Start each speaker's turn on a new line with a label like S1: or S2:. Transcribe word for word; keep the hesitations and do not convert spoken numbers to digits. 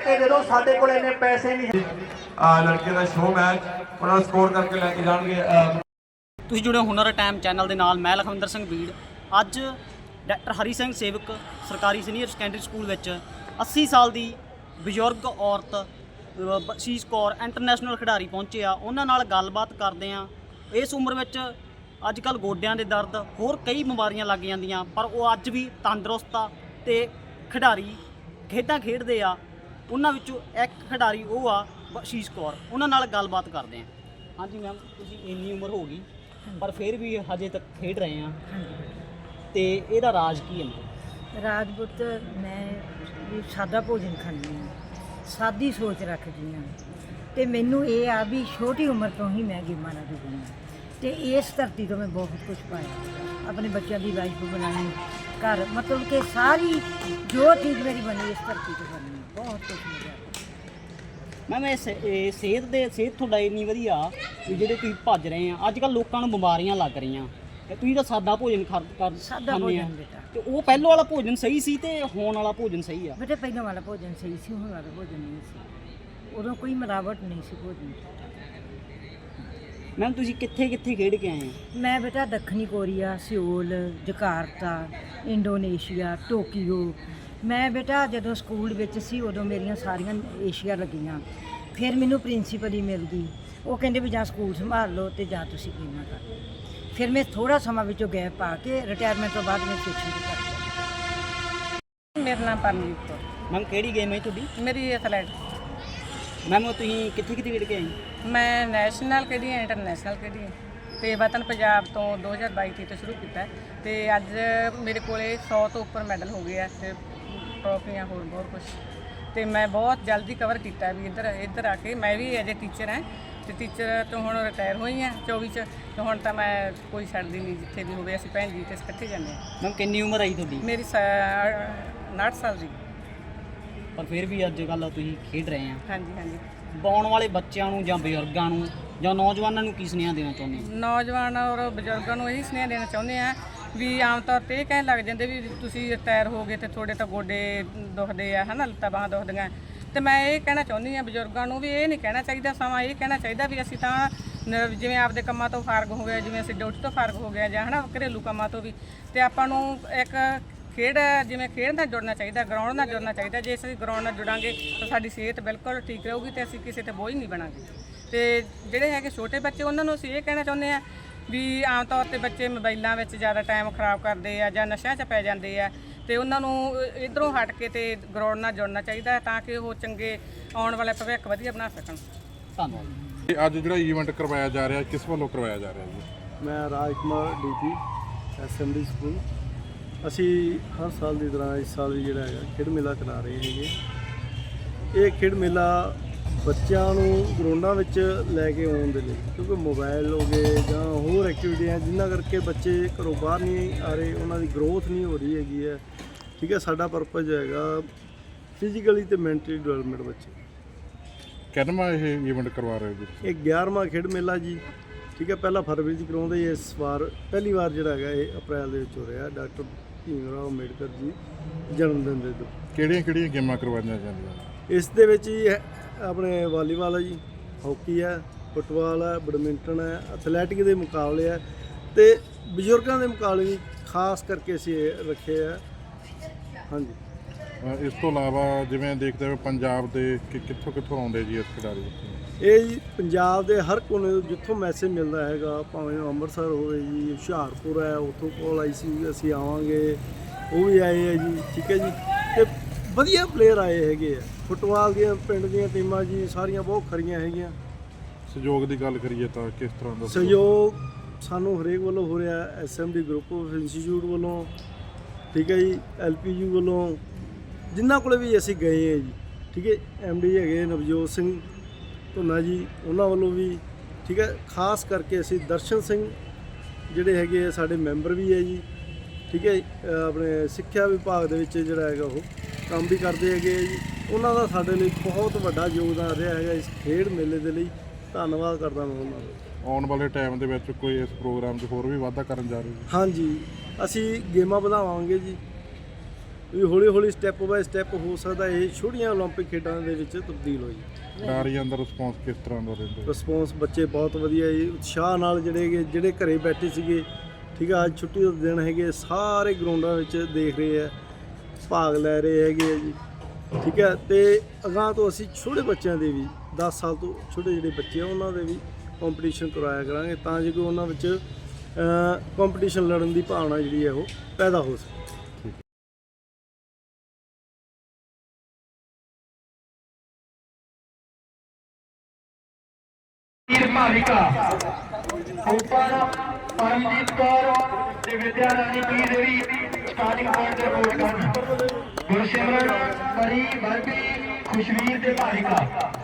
S1: ਕਰਕੇ ਦੇ ਦਿਓ, ਸਾਡੇ ਕੋਲ ਇੰਨੇ ਪੈਸੇ ਨਹੀਂ।
S2: ਲੜਕੇ ਦਾ ਸ਼ੋਅ ਮੈਚ ਉਹਨਾਂ ਨੂੰ ਸਕੋਰ ਕਰਕੇ ਲੈ ਕੇ ਜਾਣਗੇ।
S3: ਤੁਸੀਂ ਜੁੜੇ ਹੋ ਹੁਨਰ ਟਾਈਮ ਚੈਨਲ ਦੇ ਨਾਲ। ਮੈਂ ਲਖਵਿੰਦਰ ਸਿੰਘ ਬੀੜ। ਅੱਜ ਡਾਕਟਰ ਹਰੀ ਸਿੰਘ ਸੇਵਕ ਸਰਕਾਰੀ ਸੀਨੀਅਰ ਸੈਕੰਡਰੀ ਸਕੂਲ ਵਿੱਚ ਅੱਸੀ ਸਾਲ ਦੀ ਬਜ਼ੁਰਗ ਔਰਤ ਬਖਸ਼ੀਸ਼ ਕੌਰ ਇੰਟਰਨੈਸ਼ਨਲ ਖਿਡਾਰੀ ਪਹੁੰਚੇ ਆ। ਉਹਨਾਂ ਨਾਲ ਗੱਲਬਾਤ ਕਰਦੇ ਆ। ਇਸ ਉਮਰ ਵਿੱਚ ਅੱਜ ਕੱਲ੍ਹ ਗੋਡਿਆਂ ਦੇ ਦਰਦ, ਹੋਰ ਕਈ ਬਿਮਾਰੀਆਂ ਲੱਗ ਜਾਂਦੀਆਂ, ਪਰ ਉਹ ਅੱਜ ਵੀ ਤੰਦਰੁਸਤ ਆ ਤੇ ਖਿਡਾਰੀ ਖੇਡਾਂ ਖੇਡਦੇ ਆ। ਉਹਨਾਂ ਵਿੱਚੋਂ ਇੱਕ ਖਿਡਾਰੀ ਉਹ ਆ ਬਖਸ਼ੀਸ਼ ਕੌਰ। ਉਹਨਾਂ ਨਾਲ ਗੱਲਬਾਤ ਕਰਦੇ ਆ। ਹਾਂਜੀ ਮੈਮ, ਤੁਸੀਂ ਇੰਨੀ ਉਮਰ ਹੋ ਗਈ ਪਰ ਫਿਰ ਵੀ ਹਜੇ ਤੱਕ ਖੇਡ ਰਹੇ ਆ, ਤੇ ਇਹਦਾ ਰਾਜ ਕੀ ਹੈ?
S4: ਰਾਜਪੂਤ ਮੈਂ ਵੀ ਸਾਦਾ ਭੋਜਨ ਖਾਂਦੀ ਹਾਂ, ਸਾਦੀ ਸੋਚ ਰੱਖਦੀ ਹਾਂ, ਅਤੇ ਮੈਨੂੰ ਇਹ ਆ ਵੀ ਛੋਟੀ ਉਮਰ ਤੋਂ ਹੀ ਮੈਂ ਗੇਮਾਂ ਨਾਲ ਜੁੜੀ ਹਾਂ, ਅਤੇ ਇਸ ਧਰਤੀ ਤੋਂ ਮੈਂ ਬਹੁਤ ਕੁਛ ਪਾਇਆ। ਆਪਣੇ ਬੱਚਿਆਂ ਦੀ ਲਾਈਫ ਬਣਾਈ, ਘਰ ਮਤਲਬ ਕਿ ਸਾਰੀ ਜੋ ਚੀਜ਼ ਮੇਰੀ ਬਣੀ ਇਸ ਧਰਤੀ ਤੋਂ ਬਣੀ, ਬਹੁਤ ਕੁਛ ਮਿਲਿਆ।
S3: ਮੈਮ ਇਹ ਸੇ- ਇਹ ਸਿਹਤ ਦੇ ਸਿਹਤ ਤੁਹਾਡਾ ਇੰਨੀ ਵਧੀਆ ਵੀ ਜਿਹੜੇ ਤੁਸੀਂ ਭੱਜ ਰਹੇ ਆ। ਅੱਜ ਕੱਲ੍ਹ ਲੋਕਾਂ ਨੂੰ ਬਿਮਾਰੀਆਂ ਲੱਗ ਰਹੀਆਂ, ਤੇ ਤੁਸੀਂ ਤਾਂ ਸਾਦਾ ਭੋਜਨ ਖਾ ਕਰ
S4: ਸਾਦਾ
S3: ਖਾਂਦੇ ਆ।
S4: ਭੋਜਨ ਬੇਟਾ,
S3: ਤੇ ਉਹ ਪਹਿਲੋਂ ਵਾਲਾ ਭੋਜਨ ਸਹੀ ਸੀ ਤੇ ਹੁਣ ਵਾਲਾ ਭੋਜਨ ਸਹੀ ਆ?
S4: ਬੇਟੇ ਪਹਿਲਾਂ ਵਾਲਾ ਭੋਜਨ ਸਹੀ ਸੀ, ਹੁਣ ਵਾਲਾ ਭੋਜਨ ਨਹੀਂ ਸੀ। ਉਦੋਂ ਕੋਈ ਮਿਲਾਵਟ ਨਹੀਂ ਸੀ ਭੋਜਨ।
S3: ਮੈਮ ਤੁਸੀਂ ਕਿੱਥੇ ਕਿੱਥੇ ਖੇਡ ਕੇ ਆਏ ਆ?
S4: ਮੈਂ ਬੇਟਾ ਦੱਖਣੀ Korea, Seoul, Jakarta, Indonesia, Tokyo. ਮੈਂ ਬੇਟਾ ਜਦੋਂ ਸਕੂਲ ਵਿੱਚ ਸੀ ਉਦੋਂ ਮੇਰੀਆਂ ਸਾਰੀਆਂ ਏਸ਼ੀਆ ਲੱਗੀਆਂ। ਫਿਰ ਮੈਨੂੰ ਪ੍ਰਿੰਸੀਪਲ ਹੀ ਮਿਲ ਗਈ। ਉਹ ਕਹਿੰਦੇ ਵੀ ਜਾਂ ਸਕੂਲ ਸੰਭਾਲ ਲਓ ਅਤੇ ਜਾਂ ਤੁਸੀਂ ਗੇਮਾਂ ਕਰ ਲਓ। ਫਿਰ ਮੈਂ ਥੋੜ੍ਹਾ ਸਮਾਂ ਵਿੱਚੋਂ ਗੈਪ ਪਾ ਕੇ ਰਿਟਾਇਰਮੈਂਟ ਤੋਂ ਬਾਅਦ ਮੈਂ ਫਿਰ ਸ਼ੁਰੂ ਕਰ ਦਿੱਤਾ।
S5: ਮੇਰਾ ਨਾਮ ਪਰਮਜੀਤ ਕੌਰ।
S3: ਮੈਮ ਕਿਹੜੀ ਗੇਮ ਹੈ ਤੁਹਾਡੀ?
S5: ਮੇਰੀ ਐਥਲੈਟ।
S3: ਮੈਮ ਤੁਸੀਂ ਕਿੱਥੇ ਕਿੱਥੇ ਖੇਡ ਕੇ ਆਏ?
S5: ਮੈਂ ਨੈਸ਼ਨਲ ਖੇਡੀ ਹਾਂ, ਇੰਟਰਨੈਸ਼ਨਲ ਖੇਡੀ ਹਾਂ, ਅਤੇ ਵਤਨ ਪੰਜਾਬ ਤੋਂ ਦੋ ਹਜ਼ਾਰ ਬਾਈ ਤੀਹ ਤੋਂ ਸ਼ੁਰੂ ਕੀਤਾ, ਅਤੇ ਅੱਜ ਮੇਰੇ ਕੋਲੇ ਸੌ ਤੋਂ ਉੱਪਰ ਮੈਡਲ ਹੋ ਗਏ ਆ, ਅਤੇ ਟਰੋਫੀਆਂ ਹੋਰ ਬਹੁਤ ਕੁਛ। ਅਤੇ ਮੈਂ ਬਹੁਤ ਜਲਦੀ ਕਵਰ ਕੀਤਾ ਵੀ ਇੱਧਰ ਇੱਧਰ ਆ ਕੇ। ਮੈਂ ਵੀ ਐਜ ਏ ਟੀਚਰ ਹਾਂ, ਅਤੇ ਟੀਚਰ ਤੋਂ ਹੁਣ ਰਿਟਾਇਰ ਹੋਈ ਹਾਂ ਚੌਵੀ 'ਚ, ਅਤੇ ਹੁਣ ਤਾਂ ਮੈਂ ਕੋਈ ਛੱਡਦੀ ਨਹੀਂ, ਜਿੱਥੇ ਵੀ ਹੋਵੇ ਅਸੀਂ ਭੈਣ ਜੀ ਤੇ ਇਕੱਠੇ ਜਾਂਦੇ ਹਾਂ।
S3: ਮੈਮ ਕਿੰਨੀ ਉਮਰ ਆਈ ਤੁਹਾਡੀ?
S5: ਮੇਰੀ ਉਨਾਹਠ ਸਾਲ ਦੀ।
S3: ਪਰ ਫਿਰ ਵੀ ਅੱਜ ਕੱਲ੍ਹ ਤੁਸੀਂ ਖੇਡ ਰਹੇ ਆ।
S5: ਹਾਂਜੀ ਹਾਂਜੀ।
S3: ਆਉਣ ਵਾਲੇ ਬੱਚਿਆਂ ਨੂੰ ਜਾਂ ਬਜ਼ੁਰਗਾਂ ਨੂੰ ਜਾਂ ਨੌਜਵਾਨਾਂ ਨੂੰ ਕੀ ਸੁਨੇਹਾ ਦੇਣਾ ਚਾਹੁੰਦੇ ਹੋ?
S5: ਨੌਜਵਾਨ ਔਰ ਬਜ਼ੁਰਗਾਂ ਨੂੰ ਇਹੀ ਸੁਨੇਹਾ ਦੇਣਾ ਚਾਹੁੰਦੇ ਆ ਵੀ ਆਮ ਤੌਰ 'ਤੇ ਇਹ ਕਹਿਣ ਲੱਗ ਜਾਂਦੇ ਵੀ ਤੁਸੀਂ ਰਿਟਾਇਰ ਹੋ ਗਏ ਅਤੇ ਤੁਹਾਡੇ ਤਾਂ ਗੋਡੇ ਦੁਖਦੇ ਆ, ਹੈ ਨਾ, ਲੱਤਾਂ ਬਾਹਾਂ ਦੁਖਦੀਆਂ। ਅਤੇ ਮੈਂ ਇਹ ਕਹਿਣਾ ਚਾਹੁੰਦੀ ਹਾਂ ਬਜ਼ੁਰਗਾਂ ਨੂੰ ਵੀ ਇਹ ਨਹੀਂ ਕਹਿਣਾ ਚਾਹੀਦਾ, ਸਮਾਂ ਇਹ ਕਹਿਣਾ ਚਾਹੀਦਾ ਵੀ ਅਸੀਂ ਤਾਂ ਨ- ਜਿਵੇਂ ਆਪਦੇ ਕੰਮਾਂ ਤੋਂ ਫਾਰਗ ਹੋ ਗਏ, ਜਿਵੇਂ ਅਸੀਂ ਡਿਊਟੀ ਤੋਂ ਫਾਰਗ ਹੋ ਗਏ ਜਾਂ ਹੈ ਨਾ ਘਰੇਲੂ ਕੰਮਾਂ ਤੋਂ ਵੀ, ਅਤੇ ਆਪਾਂ ਨੂੰ ਇੱਕ ਖੇਡ ਜਿਵੇਂ ਖੇਡ ਨਾਲ ਜੁੜਨਾ ਚਾਹੀਦਾ, ਗਰਾਊਂਡ ਨਾਲ ਜੁੜਨਾ ਚਾਹੀਦਾ। ਜੇ ਅਸੀਂ ਗਰਾਊਂਡ ਨਾਲ ਜੁੜਾਂਗੇ ਤਾਂ ਸਾਡੀ ਸਿਹਤ ਬਿਲਕੁਲ ਠੀਕ ਰਹੂਗੀ ਅਤੇ ਅਸੀਂ ਕਿਸੇ 'ਤੇ ਬੋਝ ਨਹੀਂ ਬਣਾਂਗੇ। ਅਤੇ ਜਿਹੜੇ ਹੈਗੇ ਛੋਟੇ ਬੱਚੇ ਉਹਨਾਂ ਨੂੰ ਅਸੀਂ ਇਹ ਕਹਿਣਾ ਚਾਹੁੰਦੇ ਹਾਂ ਵੀ ਆਮ ਤੌਰ 'ਤੇ ਬੱਚੇ ਮੋਬਾਈਲਾਂ ਵਿੱਚ ਜ਼ਿਆਦਾ ਟਾਈਮ ਖਰਾਬ ਕਰਦੇ ਆ ਜਾਂ ਨਸ਼ਿਆਂ 'ਚ ਪੈ ਜਾਂਦੇ ਆ, ਅਤੇ ਉਹਨਾਂ ਨੂੰ ਇੱਧਰੋਂ ਹਟ ਕੇ ਅਤੇ ਗਰਾਊਂਡ ਨਾਲ ਜੁੜਨਾ ਚਾਹੀਦਾ ਹੈ ਤਾਂ ਕਿ ਉਹ ਚੰਗੇ ਆਉਣ ਵਾਲਾ ਭਵਿੱਖ ਵਧੀਆ ਬਣਾ ਸਕਣ।
S3: ਧੰਨਵਾਦ।
S6: ਅੱਜ ਜਿਹੜਾ ਈਵੈਂਟ ਕਰਵਾਇਆ ਜਾ ਰਿਹਾ ਕਿਸ ਵੱਲੋਂ ਕਰਵਾਇਆ ਜਾ ਰਿਹਾ ਜੀ?
S7: ਮੈਂ Raj Kumar DP SMD school. ਅਸੀਂ ਹਰ ਸਾਲ ਦੀ ਤਰ੍ਹਾਂ ਇਸ ਸਾਲ ਵੀ ਜਿਹੜਾ ਹੈਗਾ ਖੇਡ ਮੇਲਾ ਕਰਾ ਰਹੇ ਹੈਗੇ। ਇਹ ਖੇਡ ਮੇਲਾ ਬੱਚਿਆਂ ਨੂੰ ਗਰਾਊਂਡਾਂ ਵਿੱਚ ਲੈ ਕੇ ਆਉਣ ਦੇ ਲਈ, ਕਿਉਂਕਿ ਮੋਬਾਈਲ ਹੋ ਗਏ ਜਾਂ ਹੋਰ ਐਕਟੀਵਿਟੀਆਂ ਜਿਨ੍ਹਾਂ ਕਰਕੇ ਬੱਚੇ ਘਰੋਂ ਬਾਹਰ ਨਹੀਂ ਆ ਰਹੇ, ਉਹਨਾਂ ਦੀ ਗਰੋਥ ਨਹੀਂ ਹੋ ਰਹੀ ਹੈਗੀ ਹੈ। ਠੀਕ ਹੈ, ਸਾਡਾ ਪਰਪਸ ਹੈਗਾ ਫਿਜ਼ੀਕਲੀ ਅਤੇ ਮੈਂਟਲੀ ਡਿਵੈਲਪਮੈਂਟ ਬੱਚੇ।
S6: ਕਿੰਨਵਾਂ ਇਹ ਈਵੈਂਟ ਕਰਵਾ ਰਹੇ ਹੋ ਜੀ?
S7: ਇਹ ਗਿਆਰਵਾਂ ਖੇਡ ਮੇਲਾ ਜੀ। ਠੀਕ ਹੈ, ਪਹਿਲਾਂ ਫਰਵਰੀ 'ਚ ਕਰਾਉਂਦੇ, ਇਸ ਵਾਰ ਪਹਿਲੀ ਵਾਰ ਜਿਹੜਾ ਹੈਗਾ ਇਹ ਅਪ੍ਰੈਲ ਦੇ ਵਿੱਚ ਹੋ ਰਿਹਾ। ਡਾਕਟਰ ਭੀਮ ਰਾਓ ਅੰਬੇਡਕਰ ਜੀ ਜਨਮ ਦਿਨ ਦੇ ਤੋਂ।
S6: ਕਿਹੜੀਆਂ ਕਿਹੜੀਆਂ ਗੇਮਾਂ ਕਰਵਾਈਆਂ ਜਾਂਦੀਆਂ?
S7: ਇਸ ਦੇ ਵਿੱਚ ਹੀ ਆਪਣੇ ਵਾਲੀਬਾਲ ਹੈ ਜੀ, ਹਾਕੀ ਹੈ, ਫੁੱਟਬਾਲ ਹੈ, ਬੈਡਮਿੰਟਨ ਹੈ, ਐਥਲੈਟਿਕ ਦੇ ਮੁਕਾਬਲੇ ਹੈ, ਅਤੇ ਬਜ਼ੁਰਗਾਂ ਦੇ ਮੁਕਾਬਲੇ ਵੀ ਖਾਸ ਕਰਕੇ ਅਸੀਂ ਇਹ ਰੱਖੇ ਆ। ਹਾਂਜੀ।
S6: ਅ, ਇਸ ਤੋਂ ਇਲਾਵਾ ਜਿਵੇਂ ਦੇਖਦੇ ਹੋ ਪੰਜਾਬ ਦੇ ਕਿ ਕਿੱਥੋਂ ਕਿੱਥੋਂ ਆਉਂਦੇ ਜੀ ਇਸ ਖਿਡਾਰੀ?
S7: ਇਹ ਜੀ ਪੰਜਾਬ ਦੇ ਹਰ ਕੋਨੇ ਤੋਂ ਜਿੱਥੋਂ ਮੈਸੇਜ ਮਿਲਦਾ ਹੈਗਾ, ਭਾਵੇਂ ਉਹ ਅੰਮ੍ਰਿਤਸਰ ਹੋਵੇ ਜੀ, ਹੁਸ਼ਿਆਰਪੁਰ ਹੈ, ਉੱਥੋਂ ਕੋਲ ਆਈ ਸੀ ਵੀ ਅਸੀਂ ਆਵਾਂਗੇ, ਉਹ ਵੀ ਆਏ ਹੈ ਜੀ। ਠੀਕ ਹੈ ਜੀ, ਅਤੇ ਵਧੀਆ ਪਲੇਅਰ ਆਏ ਹੈਗੇ ਆ। ਫੁੱਟਬਾਲ ਦੀਆਂ ਪਿੰਡ ਦੀਆਂ ਟੀਮਾਂ ਜੀ ਸਾਰੀਆਂ ਬਹੁਤ ਖਰੀਆਂ ਹੈਗੀਆਂ।
S6: ਸਹਿਯੋਗ ਦੀ ਗੱਲ ਕਰੀਏ ਤਾਂ ਕਿਸ ਤਰ੍ਹਾਂ ਦਾ
S7: ਸਹਿਯੋਗ ਸਾਨੂੰ ਹਰੇਕ ਵੱਲੋਂ ਹੋ ਰਿਹਾ। S M D group of institute ਵੱਲੋਂ, ਠੀਕ ਹੈ ਜੀ, ਐਲ ਪੀ ਯੂ ਵੱਲੋਂ, ਜਿਨ੍ਹਾਂ ਕੋਲ ਵੀ ਅਸੀਂ ਗਏ ਹਾਂ ਜੀ। ਠੀਕ ਹੈ, ਐਮ ਡੀ ਹੈਗੇ ਨਵਜੋਤ ਸਿੰਘ ਧੁੰਨਾ ਜੀ, ਉਹਨਾਂ ਵੱਲੋਂ ਵੀ। ਠੀਕ ਹੈ, ਖਾਸ ਕਰਕੇ ਅਸੀਂ ਦਰਸ਼ਨ ਸਿੰਘ ਜਿਹੜੇ ਹੈਗੇ ਆ ਸਾਡੇ ਮੈਂਬਰ ਵੀ ਹੈ ਜੀ। ਠੀਕ ਹੈ, ਆਪਣੇ ਸਿੱਖਿਆ ਵਿਭਾਗ ਦੇ ਵਿੱਚ ਜਿਹੜਾ ਹੈਗਾ ਉਹ ਕੰਮ ਵੀ ਕਰਦੇ ਹੈਗੇ ਆ ਜੀ। ਉਹਨਾਂ ਦਾ ਸਾਡੇ ਲਈ ਬਹੁਤ ਵੱਡਾ ਯੋਗਦਾਨ ਰਿਹਾ ਹੈਗਾ ਇਸ ਖੇਡ ਮੇਲੇ ਦੇ ਲਈ। ਧੰਨਵਾਦ ਕਰਦਾ ਮੈਂ ਉਹਨਾਂ ਦਾ।
S6: ਆਉਣ ਵਾਲੇ ਟਾਈਮ ਦੇ ਵਿੱਚ ਕੋਈ ਇਸ ਪ੍ਰੋਗਰਾਮ 'ਚ ਹੋਰ ਵੀ ਵਾਧਾ ਕਰਨ ਜਾ ਰਹੇ ਜੀ?
S7: ਹਾਂਜੀ, ਅਸੀਂ ਗੇਮਾਂ ਵਧਾਵਾਂਗੇ ਜੀ। ਵੀ ਹੌਲੀ ਹੌਲੀ ਸਟੈਪ ਬਾਏ ਸਟੈਪ ਹੋ ਸਕਦਾ ਇਹ ਛੋਟੀਆਂ ਓਲੰਪਿਕ ਖੇਡਾਂ ਦੇ ਵਿੱਚ ਤਬਦੀਲ ਹੋ ਜੀ।
S6: ਖਿਡਾਰੀਆਂ ਦਾ ਰਿਸਪੌਂਸ ਕਿਸ ਤਰ੍ਹਾਂ ਦਾ ਰਹਿੰਦਾ?
S7: ਰਿਸਪੌਂਸ ਬੱਚੇ ਬਹੁਤ ਵਧੀਆ ਜੀ, ਉਤਸ਼ਾਹ ਨਾਲ ਜਿਹੜੇ ਗੇ ਜਿਹੜੇ ਘਰੇ ਬੈਠੇ ਸੀਗੇ, ਠੀਕ ਆ, ਅੱਜ ਛੁੱਟੀ ਦਾ ਦਿਨ ਹੈਗੇ, ਸਾਰੇ ਗਰਾਊਂਡਾਂ ਵਿੱਚ ਦੇਖ ਰਹੇ ਆ, ਭਾਗ ਲੈ ਰਹੇ ਹੈਗੇ ਆ ਜੀ, ਠੀਕ ਹੈ। ਤੇ ਅਗਾਂਹ ਤੋਂ ਅਸੀਂ ਛੋਟੇ ਬੱਚਿਆਂ ਦੇ ਵੀ ਦਸ ਸਾਲ ਤੋਂ ਛੋਟੇ ਜਿਹੜੇ ਬੱਚੇ ਆ ਉਹਨਾਂ ਦੇ ਵੀ ਕੰਪੀਟੀਸ਼ਨ ਕਰਵਾਇਆ ਕਰਾਂਗੇ, ਤਾਂ ਜੇ ਕੋਈ ਉਹਨਾਂ ਵਿੱਚ ਕੰਪੀਟੀਸ਼ਨ ਲੜਨ ਦੀ ਭਾਵਨਾ ਜਿਹੜੀ ਹੈ ਉਹ ਪੈਦਾ ਹੋ ਸਕੇ।
S1: ਭਾਵਿਕਾ ਉੱਪਰ ਪਰਮਜੀਤ ਕੌਰ ਤੇ Vidya Rani P Devi starting point ਤੇ ਰਿਪੋਰਟ ਕਰਨ। ਗੁਰਸਿਮਰਨ ਪਰੀ ਬਰਬੀ ਖੁਸ਼ਵੀਰ ਤੇ ਭਾਵਿਕਾ